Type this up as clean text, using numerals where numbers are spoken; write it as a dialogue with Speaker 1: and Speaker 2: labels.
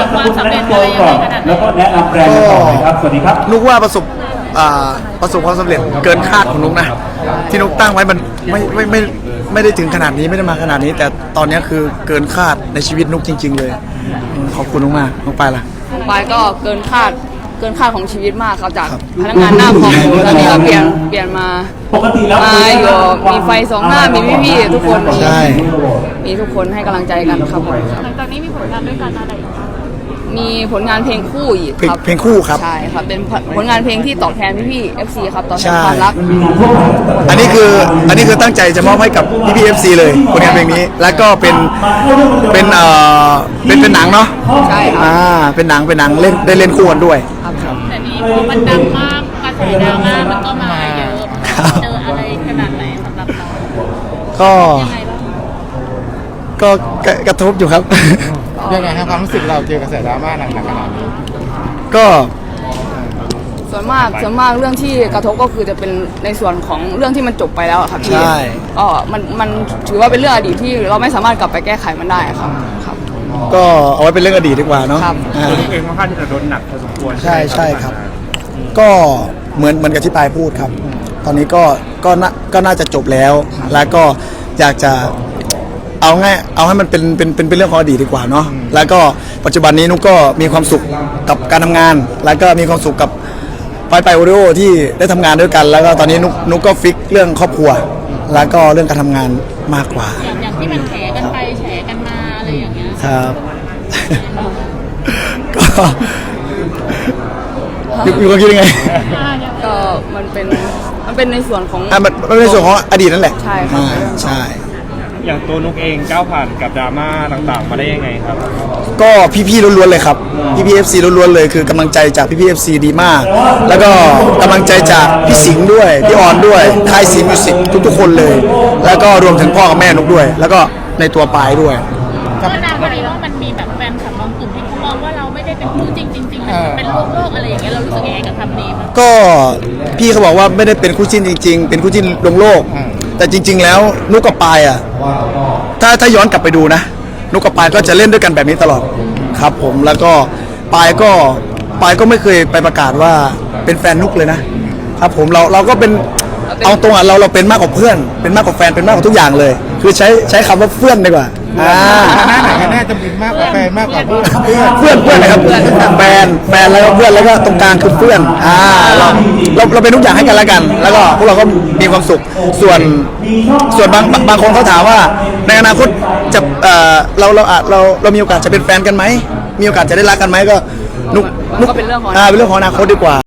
Speaker 1: บความสำเร็จอะไรยังไงขนาดไหน
Speaker 2: แล้วก็แนะนำแบรนด์ต่อเลยครับสวัสดีครับ
Speaker 3: นุกว่าประสบความสำเร็จเกินคาดของนุกนะที่นุกตั้งไว้มันไม่ได้ถึงขนาดนี้ไม่ได้มาขนาดนี้ แต่ตอนนี้คือเกินคาดในชีวิตนุกจริงๆเลยขอบคุณมากๆน้องปายล่ะ
Speaker 4: ปายก็เกินคาดของชีวิตมากครับจากพนักงานหน้าคอมตอนนี้ก็เปลี่ยนมาอยู่มีไฟสองหน้ามีพี่ๆทุกคน
Speaker 3: ใช่
Speaker 4: มีทุกคนให้กำลังใจกันครับ
Speaker 1: หลังจากนี้มีผลงานด้วยกันอะไรอีก
Speaker 4: มีผลงานเพลงคู่อีกครับ
Speaker 3: เพลงคู่ครับ
Speaker 4: ใช่ครับเป็นผลงานเพลงที่ตอบแทนพี่ๆ FC ครับตอบแทนความรัก
Speaker 3: อันนี้คือตั้งใจจะมอบให้กับพี่ FC เลยผลงานเพลงนี้แล้วก็เป็นหนังเนาะ
Speaker 4: ใช่ครับ
Speaker 3: เป็นหนังเล่นได้เล่นคู่กันด้วย
Speaker 1: แต่นี้พอมันดังมากกระแสดราม่ามันก็มาเยอะเจออะไรขนาดไหนสำหรับเรา
Speaker 3: ก็กระทบอยู่ครับ
Speaker 5: ยังไงครับความรู้สึกเราเจอกระแสดราม่าหนักขนาดนี้
Speaker 3: ก็
Speaker 4: ส่วนมากเรื่องที่กระทบก็คือจะเป็นในส่วนของเรื่องที่มันจบไปแล้วครับ
Speaker 3: ใช่
Speaker 4: ก็มันถือว่าเป็นเรื่องอดีตที่เราไม่สามารถกลับไปแก้ไขมันได้ครับ
Speaker 3: ก็เอาไว้เป็นเรื่องอดีตดีกว่าเนาะ
Speaker 5: ตัวเองค่อนข้างที่จะโดนหนักพอสมควร
Speaker 3: ใช่ครับก็เหมือนกับที่ปายพูดครับตอนนี้ก็น่าจะจบแล้วแล้วก็อยากจะเอาให้มันเป็นเรื่องของอดีตดีกว่าเนาะแล้วก็ปัจจุบันนี้นุกก็มีความสุขกับการทำงานแล้วก็มีความสุขกับไปโอริโอที่ได้ทำงานด้วยกันแล้วก็ตอนนี้นุกก็ฟิกเรื่องครอบครัวแล้วก็เรื่องการทำงานมากกว่า
Speaker 1: อย่างที่มันแฉกันไปแฉกันมาอะไรอย่างเงี้ย
Speaker 3: ครับอยู่ก็คิดยังไง
Speaker 4: ก็มันเป็นในส่วนของ
Speaker 3: มันในส่วนของอดีตนั่นแหละ
Speaker 4: ใช่ครับ
Speaker 3: ใช่
Speaker 5: อย่างตัวนุกเองก้าวผ่านกับดราม่าต่างๆมาได้ยังไงครับ
Speaker 3: ก็พี่ๆล้วนๆเลยครับพี่ๆ FC ล้วนๆเลยคือกำลังใจจากพี่ๆ FC ดีมากแล้วก็กำลังใจจากพี่สิงห์ด้วยพี่ออนด้วยค่ายซีมิวสิกทุกๆคนเลยแล้วก็รวมถึงพ่อกับแม่นุกด้วยแล้วก็ในตัวปายด้วย
Speaker 1: ก็นานพอดีว่ามันมีแบบแฟนคลับบางกลุ่มที่เขามองว่าเราไม่ได้เป็นคู่จริงๆมันเป็นโลกอะไรอย่างเงี้ยเรารู้สึกยังไงกับคำนี้มั้ย
Speaker 3: ก็พี่เขาบอกว่าไม่ได้เป็นคู่จิ้นจริงๆเป็นคู่จิ้นลงโลกแต่จริงๆแล้วนุกกับปายอ่ะถ้าย้อนกลับไปดูนะนุกกับปายก็จะเล่นด้วยกันแบบนี้ตลอดครับผมแล้วก็ปายก็ไม่เคยไปประกาศว่าเป็นแฟนนุกเลยนะครับผมเราก็เป็นเอาตรงอ่ะเราเป็นมากกว่าเพื่อนเป็นมากกว่าแฟนเป็นมากกว่าทุกอย่างเลยคือใช้คำว่าเพื่อนดีกว่า
Speaker 5: หน้าไหนกันแน่จะเป็นมากกว่าแฟนมากกว่าเ
Speaker 3: พื่อนนะครับแฟนแล้วก็เพื่อนแล้วก็ตรงกลางคือเพื่อนเราเป็นทุกอย่างให้กันแล้วกันแล้วก็พวกเราก็มีความสุขส่วนบางคนเขาถามว่าในอนาคตจะเรามีโอกาสจะเป็นแฟนกันไหมมีโอกาสจะได้รักกันไหมก็นุกเป็นเรื่องของอนาคตดีกว่า